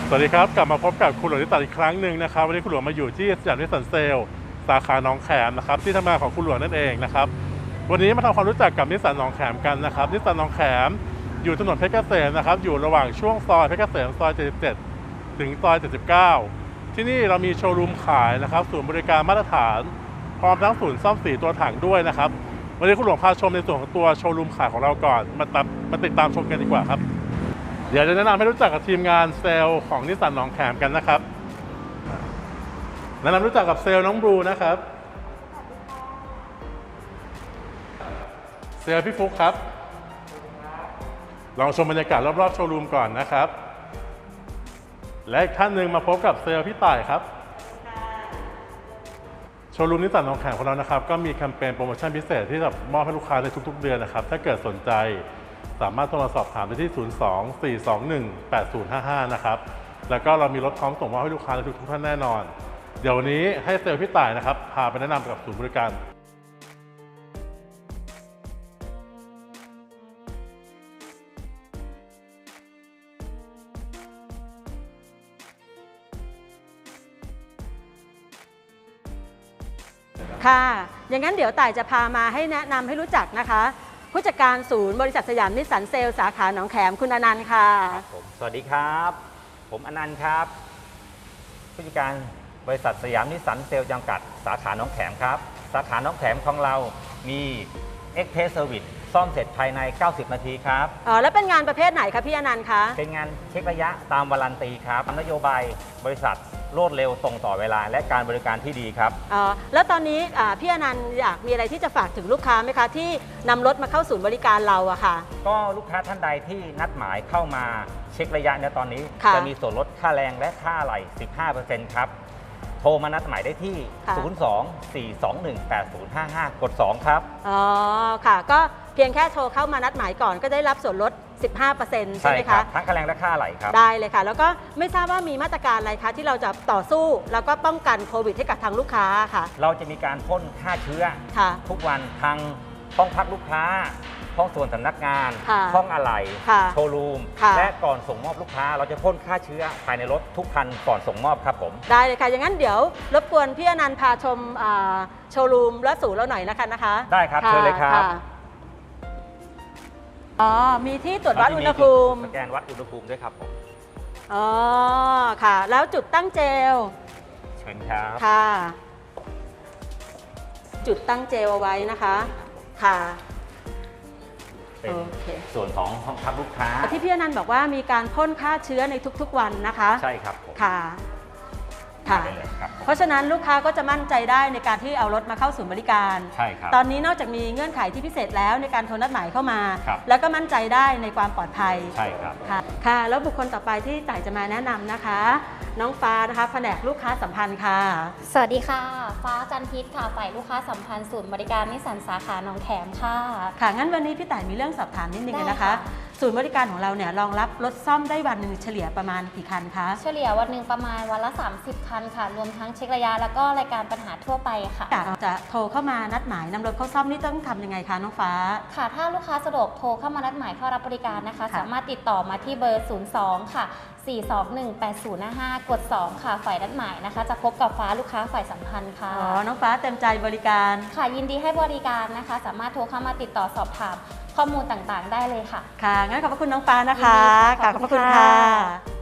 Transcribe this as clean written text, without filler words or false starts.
สวัสดีครับกลับมาพบกับคุณหลวงนิสสันอีกครั้งหนึ่งนะครับวันนี้คุณหลวงมาอยู่ที่สยามนิสสันเซลล์สาขาหนองแขมนะครับที่ทำงานของคุณหลวงนั่นเองนะครับวันนี้มาทำความรู้จักกับนิสสันหนองแขมกันนะครับนิสสันหนองแขมอยู่ถนนเพชรเกษมนะครับอยู่ระหว่างช่วงซอยเพชรเกษมซอย77ถึงซอย79ที่นี่เรามีโชว์รูมขายนะครับศูนย์บริการมาตรฐานพร้อมทั้งศูนย์ซ่อมสีตัวถังด้วยนะครับวันนี้คุณหลวงพาชมในส่วนของตัวโชว์รูมขายของเราก่อนมาติดตามชมกันดีกว่าครับเดี๋ยวจะแนะนำให้รู้จักกับทีมงานเซลล์ของนิสสันหนองแขมกันนะครับแนะนำรู้จักกับเซลล์น้องบลูนะครับเซลล์พี่ฟุกครับลองชมบรรยากาศรอบๆโชว์รูมก่อนนะครับและอีกท่านหนึ่งมาพบกับเซลล์พี่ต่ายครับโชว์รูมนิสสันหนองแขมของเรานะครับก็มีแคมเปญโปรโมชั่นพิเศษที่จะมอบให้ลูกค้าในทุกๆเดือนนะครับถ้าเกิดสนใจสามารถโทรมาสอบถามได้ที่ 02-421-8055 นะครับแล้วก็เรามีรถพร้อมส่งมอบให้ลูกค้าในทุกท่านแน่นอนเดี๋ยววันนี้ให้เซลล์พี่ต่ายนะครับพาไปแนะนำกับศูนย์บริการค่ะอย่างนั้นเดี๋ยวต่ายจะพามาให้แนะนำให้รู้จักนะคะผู้จัดการศูนย์บริษัทสยามนิสสันเซลล์สาขาหนองแขมคุณอนันต์ค่ะผมสวัสดีครับผมอนันต์ครับผู้จัดการบริษัทสยามนิสสันเซลล์จำกัดสาขาหนองแขมครับสาขาหนองแขมของเรามี Express Service ซ่อมเสร็จภายใน90นาทีครับแล้วเป็นงานประเภทไหนคะพี่อนันต์คะเป็นงานเช็คระยะตามวารันตีครับนโยบายบริษัทรวดเร็วส่งต่อเวลาและการบริการที่ดีครับแล้วตอนนี้พี่อนันต์อยากมีอะไรที่จะฝากถึงลูกค้าไหมคะที่นำรถมาเข้าศูนย์บริการเราอะค่ะก็ลูกค้าท่านใดที่นัดหมายเข้ามาเช็คระยะในตอนนี้จะมีส่วนลดค่าแรงและค่าอะไหล่ 15% ครับโทรมานัดหมายได้ที่ 02-421-8055 กด 2 ครับค่ะก็เพียงแค่โทรเข้ามานัดหมายก่อนก็ได้รับส่วนลด 15% ใช่ไหมคะทั้งค่าแรงและค่าอะไหล่ครับได้เลยค่ะแล้วก็ไม่ทราบว่ามีมาตรการอะไรคะที่เราจะต่อสู้แล้วก็ป้องกันโควิดให้กับทางลูกค้าค่ะเราจะมีการพ่นฆ่าเชื้อทุกวันทางห้องพักลูกค้าห้องส่วนสำนักงานห้องอะไหล่โชว์รูมและก่อนส่งมอบลูกค้าเราจะพ่นฆ่าเชื้อภายในรถทุกคันก่อนส่งมอบครับผมได้เลยค่ะอย่างนั้นเดี๋ยวรบกวนพี่อนันต์พาชมโชว์รูมและศูนย์เราหน่อยนะคะได้ครับเชิญเลยครับมีที่ตรวจวัดอุณหภูมิสแกนวัดอุณหภูมิด้วยครับผมค่ะแล้วจุดตั้งเจลเชิญครับค่ะจุดตั้งเจลเอาไว้นะคะค่ะเป็นส่วนของห้องพักลูกค้าที่พี่อนันต์บอกว่ามีการพ่นฆ่าเชื้อในทุกๆวันนะคะใช่ครับค่ะเพราะฉะนั้นลูกค้าก็จะมั่นใจได้ในการที่เอารถมาเข้าศูนย์บริการใช่ครับตอนนี้นอกจากมีเงื่อนไขที่พิเศษแล้วในการโทรนัดหมายเข้ามาแล้วก็มั่นใจได้ในความปลอดภัยใช่ครับค่ะแล้วบุคคลต่อไปที่ต่ายจะมาแนะนำนะคะน้องฟ้านะคะแผนกลูกค้าสัมพันธ์ค่ะสวัสดีค่ะฟ้าจันทิพย์ค่ะฝ่ายลูกค้าสัมพันธ์ศูนย์บริการนิสสันสาขาหนองแขมค่ะงั้นวันนี้พี่ต่ายมีเรื่องสอบถามนิดนึงนะคะศูนย์บริการของเราเนี่ยรองรับรถซ่อมได้วันหนึ่งเฉลี่ยประมาณกี่คันคะเฉลี่ยวันหนึ่งประมาณวันละ30คันค่ะรวมทั้งเช็คระยะแล้วก็รายการปัญหาทั่วไปค่ะจะโทรเข้ามานัดหมายนำรถเข้าซ่อมนี่ต้องทำยังไงคะน้องฟ้าค่ะถ้าลูกค้าสะดวกโทรเข้ามานัดหมายเข้ารับบริการนะคะสามารถติดต่อมาที่เบอร์02ค่ะ421-8055 กด 2 ค่ะฝ่ายนัดหมายนะคะจะพบกับฟ้าลูกค้าฝ่ายสัมพันธ์ค่ะน้องฟ้าเต็มใจบริการค่ะยินดีให้บริการนะคะสามารถโทรเข้ามาติดต่อสอบถามข้อมูลต่างๆได้เลยค่ะงั้นขอบพระคุณน้องฟ้านะคะขอบพระคุณค่ะ